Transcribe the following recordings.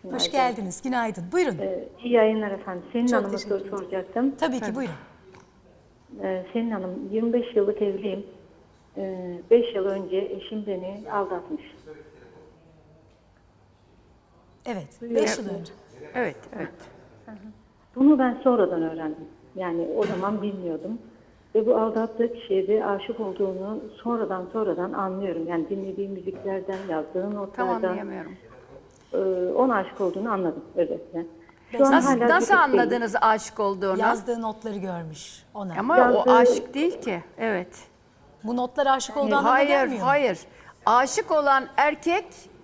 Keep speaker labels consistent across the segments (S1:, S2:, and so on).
S1: Hoş geldiniz. Günaydın. Buyurun.
S2: İyi yayınlar efendim. Selin
S1: Çok
S2: Hanım'a
S1: teşekkür
S2: soru
S1: ederim.
S2: soracaktım.
S1: Tabii ki buyurun.
S2: Selin Hanım, 25 yıllık evliyim. 5 yıl önce eşim beni aldatmış.
S1: Evet. 5 yıl önce.
S3: Evet, evet.
S2: Bunu ben sonradan öğrendim. Yani o zaman bilmiyordum. Ve bu aldattığı kişiye de aşık olduğunu sonradan anlıyorum. Yani dinlediğim müziklerden, yazdığı
S3: Tam
S2: notlardan
S3: anlayamıyorum.
S2: ona aşık olduğunu anladım özetle. Şu an hala
S3: Nasıl
S2: birlikteyiz.
S3: anladınız aşık olduğunu?
S1: Yazdığı notları görmüş ona.
S3: Ama
S2: Yazdığı-
S3: o aşık değil ki. Evet.
S1: Bu notlar aşık olduğu anlamına
S3: Hayır,
S1: gelmiyor mu?
S3: hayır. Aşık olan erkek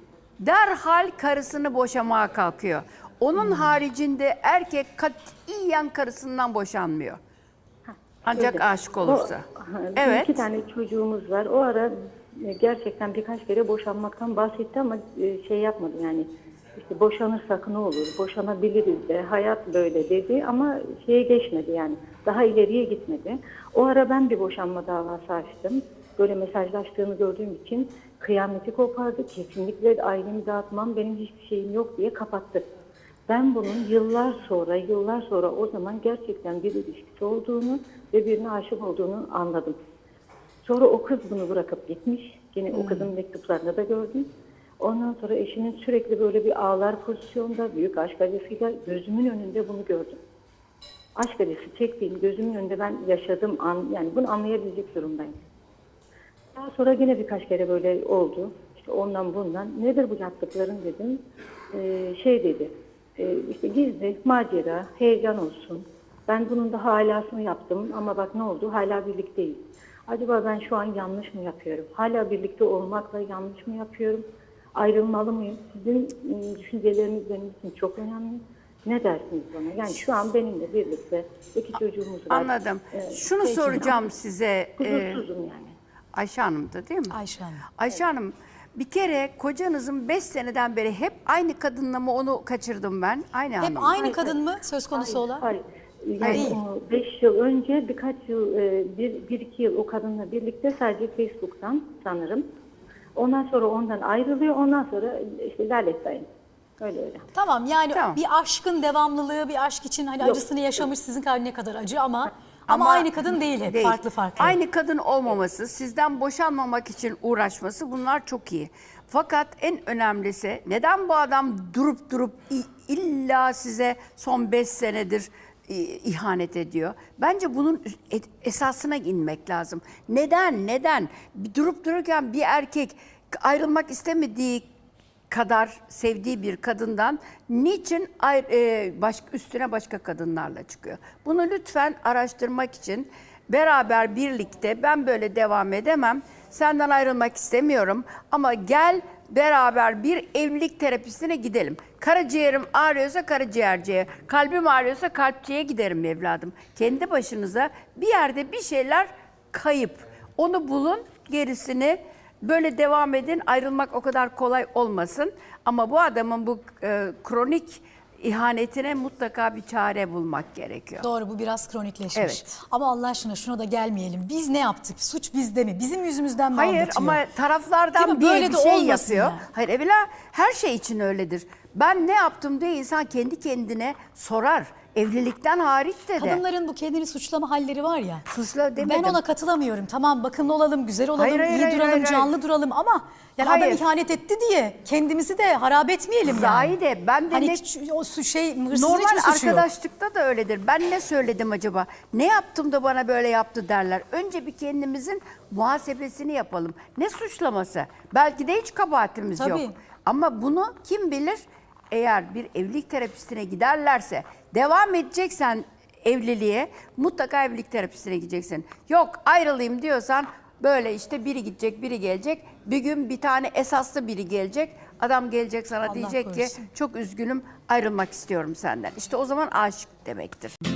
S3: derhal karısını boşamaya kalkıyor. Onun haricinde erkek katiyen karısından boşanmıyor. Ancak
S2: Öyle.
S3: aşık olursa.
S2: Evet. 2
S3: Evet.
S2: tane çocuğumuz var. O ara gerçekten birkaç kere boşanmaktan bahsetti ama şey yapmadı yani. İşte boşanırsak ne olur, boşanabiliriz de, hayat böyle dedi ama şeye geçmedi yani. Daha ileriye gitmedi. O ara ben bir boşanma davası açtım. Böyle mesajlaştığını gördüğüm için kıyameti kopardı. Kesinlikle ailemi dağıtmam, benim hiçbir şeyim yok diye kapattı. Ben bunun yıllar sonra o zaman gerçekten bir ilişkisi olduğunu ve birine aşık olduğunu anladım. Sonra o kız bunu bırakıp gitmiş. Yine o kızın mektuplarını da gördüm. Ondan sonra eşinin sürekli böyle bir ağlar pozisyonda, büyük aşk acısıyla gözümün önünde bunu gördüm. Aşk acısı çektiğim gözümün önünde ben yaşadım, yani bunu anlayabilecek durumdayım. Daha sonra yine birkaç kere böyle oldu. İşte ondan bundan. Nedir bu yaptıkların dedim. Şey dedi. İşte gizli, macera, heyecan olsun. Ben bunun da halasını yaptım ama bak ne oldu? Hala birlikteyiz. Acaba ben şu an yanlış mı yapıyorum? Hala birlikte olmakla yanlış mı yapıyorum? Ayrılmalı mıyım? Sizin düşünceleriniz benim için çok önemli. Ne dersiniz bana? Yani şu an benimle birlikte 2 çocuğumuz var.
S3: Anladım. Şunu soracağım size.
S2: Huzursuzum yani.
S3: Ayşe Hanım'dı değil mi?
S1: Ayşe Hanım.
S3: Ayşe Hanım, bir kere kocanızın 5 seneden beri hep aynı kadınla mı onu kaçırdım ben? Aynı
S1: Hep
S3: hanım.
S1: aynı kadın mı söz konusu olan?
S2: Hayır.
S1: Hayır.
S2: Yani 5 yıl önce birkaç yıl, 1-2 yıl o kadınla birlikte sadece Facebook'tan sanırım. Ondan sonra ondan ayrılıyor. Ondan sonra işte Lalettayım. Öyle.
S1: Tamam yani
S3: Tamam.
S1: bir aşkın devamlılığı, bir aşk için hani
S2: Yok.
S1: acısını yaşamış sizin kadar ne kadar acı ama aynı kadın değil hep.
S3: Değil.
S1: Farklı.
S3: Aynı kadın olmaması, sizden boşanmamak için uğraşması bunlar çok iyi. Fakat en önemlisi neden bu adam durup illa size son 5 senedir ihanet ediyor? Bence bunun esasına inmek lazım. Neden? Durup dururken bir erkek ayrılmak istemediği kadar sevdiği bir kadından niçin üstüne başka kadınlarla çıkıyor? Bunu lütfen araştırmak için beraber birlikte ben böyle devam edemem. Senden ayrılmak istemiyorum ama gel beraber bir evlilik terapisine gidelim. Karaciğerim ağrıyorsa karaciğerciye, kalbim ağrıyorsa kalpçiye giderim evladım. Kendi başınıza bir yerde bir şeyler kayıp. Onu bulun, gerisini böyle devam edin. Ayrılmak o kadar kolay olmasın. Ama bu adamın bu kronik ihanetine mutlaka bir çare bulmak gerekiyor.
S1: Doğru, bu biraz kronikleşmiş.
S3: Evet.
S1: Ama Allah aşkına şuna da gelmeyelim. Biz ne yaptık? Suç bizde mi? Bizim yüzümüzden mi
S3: Hayır
S1: aldatıyor?
S3: ama
S1: Değil
S3: taraflardan
S1: mi? Böyle
S3: bir
S1: de
S3: şey
S1: olmasın
S3: yapıyor.
S1: yani.
S3: Hayır evvela her şey için öyledir. Ben ne yaptım diye insan kendi kendine sorar. Evlilikten hariç de.
S1: Kadınların bu kendini suçlama halleri var ya.
S3: Suçla demedim.
S1: Ben ona katılamıyorum. Tamam bakımlı olalım, güzel olalım,
S3: Hayır,
S1: iyi duralım,
S3: hayır.
S1: canlı duralım ama yani adam
S3: Hayır.
S1: ihanet etti diye kendimizi de harap etmeyelim yani.
S3: Zahide ben de
S1: Hani
S3: ne...
S1: hırsızın
S3: Normal
S1: hiçbir suçu yok.
S3: arkadaşlıkta da öyledir. Ben ne söyledim acaba? Ne yaptım da bana böyle yaptı derler. Önce bir kendimizin muhasebesini yapalım. Ne suçlaması? Belki de hiç kabahatimiz
S1: Tabii.
S3: yok. Ama bunu kim bilir? Eğer bir evlilik terapisine giderlerse, devam edeceksen evliliğe mutlaka evlilik terapisine gideceksin. Yok ayrılayım diyorsan böyle işte biri gidecek, biri gelecek. Bir gün bir tane esaslı biri gelecek. Adam gelecek sana
S1: Allah
S3: diyecek
S1: korusun.
S3: ki çok üzgünüm ayrılmak istiyorum senden. İşte o zaman aşık demektir.